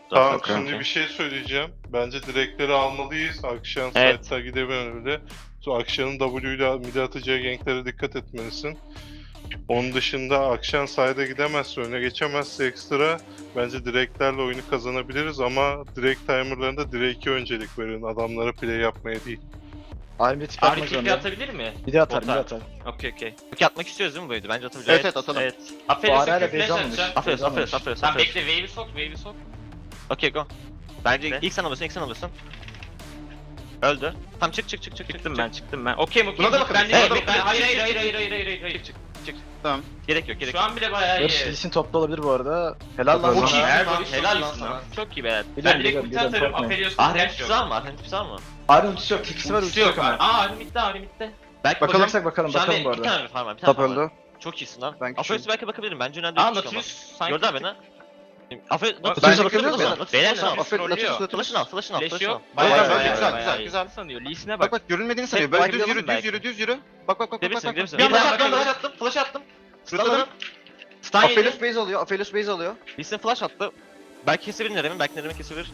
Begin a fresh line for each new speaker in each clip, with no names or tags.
Tamam
Okey.
şimdi bir şey söyleyeceğim. Bence direkleri almalıyız. Akşam
Evet.
site'da gidememeli. Sonra Akşam'ın W ile mide atacağı ganklere dikkat etmelisin. Onun dışında Akşam side'a gidemezse, öne geçemezse ekstra bence direklerle oyunu kazanabiliriz ama direkt timerlarında direk'e öncelik verin. Adamlara play yapmaya değil.
Army tip
Arif
atmak
tipi
zorunda.
atabilir mi?
Bir de atar, bir
Bota.
de atar.
Okey. Okey atmak istiyoruz değil mi bu oyunu? Bence atabiliriz.
Evet, atalım.
Evet.
Bu
Aferin
arayla
sakın
base
flash
almamış.
atacağım.
Aferin.
Tamam bekle wave'i sok.
Okey go. Bence
Bekle.
ilk sen alırsın. Öldü. Tamam çık.
Çıktım ben. Okey mi?
Buna da bakın.
Ben de
Evet,
hayır.
Tamam.
Gerek yok.
Şu an bile bayağı
Barış
iyi.
Lee'sin topta olabilir bu arada. Helal lan
Çok
sana.
iyi.
Helal lan sana.
Çok iyi be.
Ben
Biliyorum,
direkt ulti atarım.
korkmayın.
Aphelios'un
Ahret
flash
tutar
yok.
mı? Ahret tutar mı?
Army ultisi yok, ikisi var, ultisi yok ama.
Ahri bitti.
Belki
Bakılırsak bakalım
Şu an
bu
bir
arada.
tane farm var. Bir tane
Top
farm var.
öldü.
Çok iyisin lan.
Ben
Aferin
küçüğüm.
belki bakabilirim. Bence önemli değil.
Aa
bir şey olmaz.
Nautilus sanki.
Gördün abi beni. Aferin.
Bak,
Nautilus'a bakabiliyor musun?
Beyler
Nautilus
ne?
Aferin,
trollüyor.
Nautilus.
Flash'ını al.
Flash yok.
Bayağı,
Bayağı
güzel.
sanıyor. Lee'sine
Bak
bak.
görünmediğini sanıyor.
Tek
Böyle düz
bakabilirim
yürü,
belki.
düz yürü. Bak.
Gidebilirsin.
Bir anda
Flash attım.
Stunladım.
Stun yedi.
Aphelios base alıyor.
Lee'sin flash attı. Belki kesebilir Nerem'in. Belki Nerem'in kesebilir.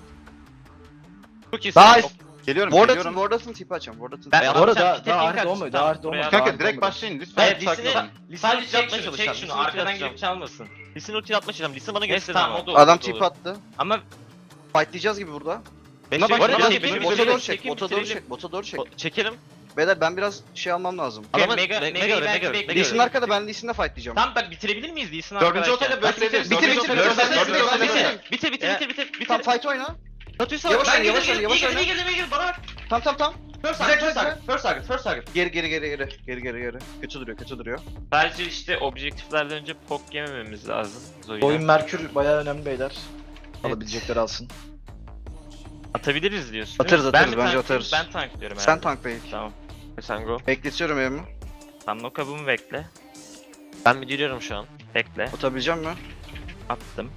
Çok iyisin.
Nice.
Geliyorum.
Wardas'ın tipi açacağım. Wardas'ın
Ben-
Bu
Atacağım,
arada
pite
daha
pink
Arif
atacağım.
olmuyor, daha Arif
Buraya-
olmuyor.
Kanka direkt başlayın lütfen.
Hayır
Sakin olun.
Sadece çek
atmaya
şunu,
çalışacağım.
çek şunu. Arkadan
atacağım.
girip çalmasın.
Lee'sin ulti atmaya çalışacağım. Lee'sin bana
Neyse
gösterdi
tamam
ama.
o da olur.
Adam
o da olur.
tipi attı.
Ama
Fightlayacağız gibi burada.
Beş
Buna
şey-
bak,
Bana-
bak,
Beş-
benim-
Bota
bitirelim,
doğru çek,
çekin,
bota doğru
bitirelim.
çek, bota doğru çek.
Çekelim.
Beyler ben biraz şey almam lazım.
Adamın
Mega
belki
Lee Sin'in
Mega.
arkada, ben Lee Sin'le fightlayacağım.
tam bak bitirebilir miyiz Lee'sin
Dördüncü
arkadaşlar?
otayla bökleyebiliriz.
Bitir,
Dördüncü
bitir,
otayla
bitir,
bökleyebiliriz.
Bitir.
Tamam fight oyna.
Natuysa
Yavaş
bak.
oyna, yavaş oyna, yavaş oyna.
İyi girdi bana bak.
Tamam.
First target.
Geri. Kötü duruyor.
Sadece işte objektiflerden önce pok yemememiz lazım.
Oyun Merkür bayağı önemli beyler. Alabilecekleri alsın.
Atabiliriz diyorsun.
Atarız,
değil mi?
atarız,
Ben mi
bence
tanklıyorum?
atarız.
Ben tanklıyorum
Sen
herhalde.
tank bey.
Tamam.
Sen go.
Bekletiyorum evimi.
Tam nokabımı bekle.
Ben bir giriyorum şu an.
Bekle.
Atabileceğim mi?
Attım.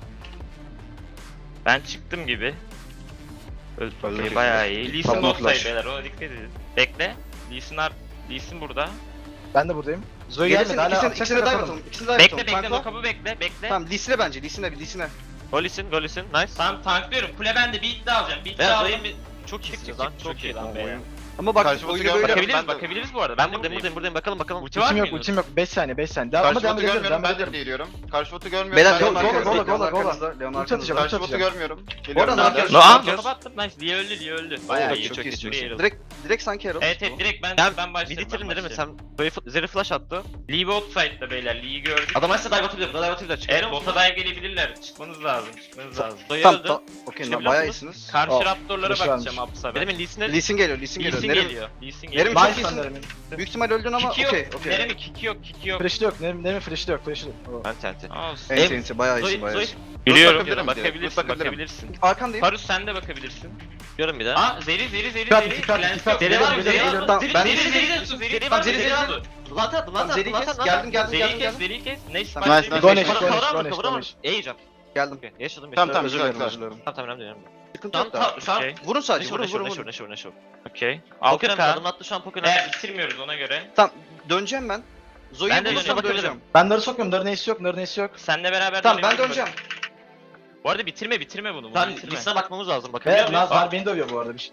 Ben çıktım gibi.
Öldü.
Okey bayağı iyi. Lee Sin
Tamam,
bottaydı
flash.
beyler, ona dikkat edin. Bekle. Lee Sin burada.
Ben de buradayım. Zoe
Gelsin,
gelmedi hala
ikisini de dive
atalım.
atalım. İkisini de dive
Bekle
atalım. Tankla.
nokabı bekle.
Tamam Lee'sine bence, Lee'sine.
Go listen. Nice.
Tamam tanklıyorum. Kule bende, bir iddia alacağım. Bir iddia
Beyler
alayım.
Zoe'nin bir... Çok iyisiniz
Çık,
lan.
çık,
Çok iyi lan.
lan be.
Ama bak
Karşı botu
oyunu böyle
görmüyorum.
yap.
Bakabiliriz bu arada.
Ben buradayım. Bakalım.
Ulti var
Ultim
mı?
yok, ultim yok. 5 saniye. Devam
Karşı
devam
botu
edebiliriz,
görmüyorum.
devam
Ben de
edebiliriz.
geliyorum. Karşı botu görmüyorum.
Beyler
Ben
go
de
go
arkanızda.
go
Gola,
Leon
gola.
arkanızda. Leon
Ulti atacağım,
arkanızda.
Karşı botu
atacağım.
görmüyorum.
Oradan
Geliyorum
ne
ben de.
yapıyorsun?
Nokabı attım. Nice. Lee öldü.
Bayağı iyi,
Çok
çok
iyisin.
iyi.
Direkt sanki Herald.
Evet direkt ben
Ben
başlarım.
Bitirin değil mi? Sen Zeri flash attı.
Lee bot side'da beyler. Lee'yi gördük.
Adam açsa dive atabilir.
Eğer bota dive gelebilirler. Çıkmanız lazım.
Zoe
Tamam,
öldü.
okey,
Şimdi
bayağı
biliyor
iyisiniz.
Karşı
Aa,
raptorlara
flash
bakacağım
vermiş.
Aps'a ben.
Benim Lee'sine...
Lee Sin geliyor.
Lee Sin
Nerem-
geliyor.
Nerem
Nice.
çok iyisin. Büyük ihtimal öldün ama
Kiki yok.
okey.
Neremi kiki yok.
Flash'ı yok. Nerem'in flash'ı yok. Oo.
Ben TNT.
Olsun.
Enti, bayağı
Zoe,
iyisin, bayağı
Zoe.
iyisin.
Biliyorum.
bakabilirim direkt,
Bakabilirsin.
bakabilirim.
Bakabilirsin.
Arkandayım.
Farus sen de bakabilirsin.
Diyorum bir daha.
Aa Zeri.
Dikkat,
Lens yok.
Zeri var, Zeri var.
Tamam, ben-
Zeri
Tamam,
var.
Zeri,
Zeri
Zeri.
var.
Lata attım.
Zeri kes. Geldim.
Zeri kes. Neyse.
Tamam.
Nice, nice.
Goneş,
Kavra
Goneş.
vuramadım. Yiyeceğim.
Geldim.
Yaşadım.
Tamam,
Özür
güzel,
dilerim,
güzel.
özür dilerim.
Önemli.
Sıkıntı yok da.
Şu an
Okey.
Vurun sadece,
Neşe
vurun.
Neşe.
Okey.
Poker'ın
6K.
adını attı şu an Poker'ın.
Bitirmiyoruz ona göre.
Tamam, döneceğim ben.
Ben
Zoe'ye
de
bulursam
döneceğim.
döneceğim.
Ben narı sokmuyorum. Narı neysi yok.
Seninle beraber
Tamam, ben
dönelim.
döneceğim.
Bu arada bitirme bunu.
Tamam,
bitirme.
listine bakmamız lazım. Bakabiliyor
Ve
muyuz?
Naz beni dövüyor bu arada bir şey.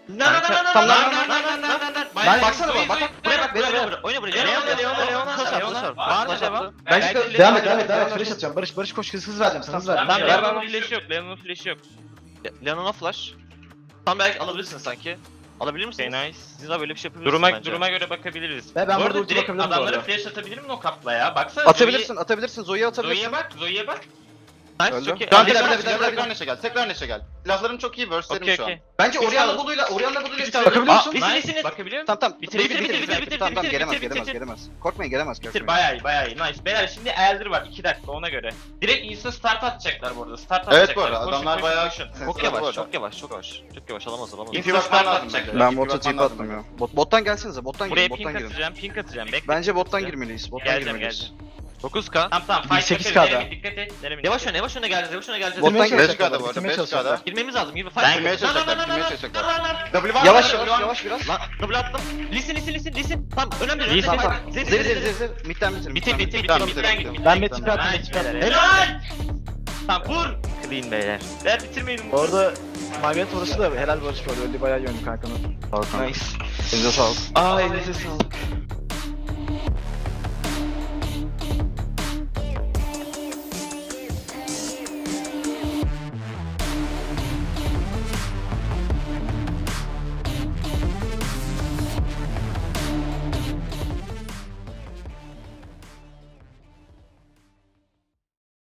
Bayağı
Baksana
Zoe,
bak.
Zoe.
Buraya bak. Oyna buraya.
Leona. Var mı devam?
Ben
Devam et. Flash atacağım. Barış koş, hız vereceğim sana, hız vereceğim.
Tamam,
Ver, ver,
Leona'nın
ver.
flash'ı yok. Leona'nın flash'ı yok.
Leon'a flash. Tam belki alabilirsiniz sanki. Alabilir misiniz?
Okay, nice.
Siz daha böyle bir şey yapabilirsiniz bence.
Duruma göre bakabiliriz.
Ve ben
Bu
burada
arada
ulti
direkt
bakabilirim bu
adamlara
arada.
flash atabilirim mi o kapla ya? Baksana
Atabilirsin. Zoe'ye atabilirsin.
Zoe'ye bak.
Nice,
Öldü.
çok iyi.
Tamam,
Bir
tekrar
dakika.
tekrar neşe gel. Tekrar neşe gel. Silahlarım çok iyi. Verse'lerim
Okey
şu an.
okey.
Bence
Üç
Orianna
tane.
Blue'yla bir tane.
Bakabiliyor musun?
Nice. Bakabiliyor musun?
Tamam.
Bitir.
Tamam, gelemez. Korkmayın, gelemez.
Bitir bayağı iyi. Nice. Beyler şimdi Elder var 2 dakika ona göre. Direkt insta start atacaklar bu arada. Start atacaklar.
Evet bu arada
Koşun,
adamlar
koşun,
bayağı
koşun.
Çok
Bu
yavaş,
arada.
çok yavaş. Çok yavaş. Alamaz.
İnfi bakman lazım
atacaklar.
bence.
Ben
İnfi
bota
bakman
tip
lazım
attım ya.
bence.
Bottan gelsenize. Bottan
Buraya
girin.
pink atacağım. Bekle.
Bence bottan
Atacağım.
girmeliyiz.
Geleceğim.
9k.
Tamam. Fight
8K'da.
bakarız. Dikkat et.
Yavaş öne geleceğiz.
Bottan
Bitirmeye
gel.
5K'da bu arada.
bitirmeye
5K'da.
Girmemiz lazım. Gibi
Ben
fight.
Girmeye çalışacaklar. Girmeye çalışacaklar. W var mı?
Yavaş biraz.
Lan double attım. Listen. Tamam önemli.
Listen.
Tamam.
Zeri.
Zeri. Midden bitir.
Bitir.
Tamam,
Midden git.
Ben Met tipi attım.
Nice.
Met tipi attım.
Helal. Tamam vur.
Clean beyler.
Beyler bitirmeyelim.
Bu arada Margaret orası da helal Barış bu arada. Öldü bayağı iyi oyuncu kankanın.
Sağ ol kanka.
Nice.
Elinize sağlık.
Aa elinize sağlık.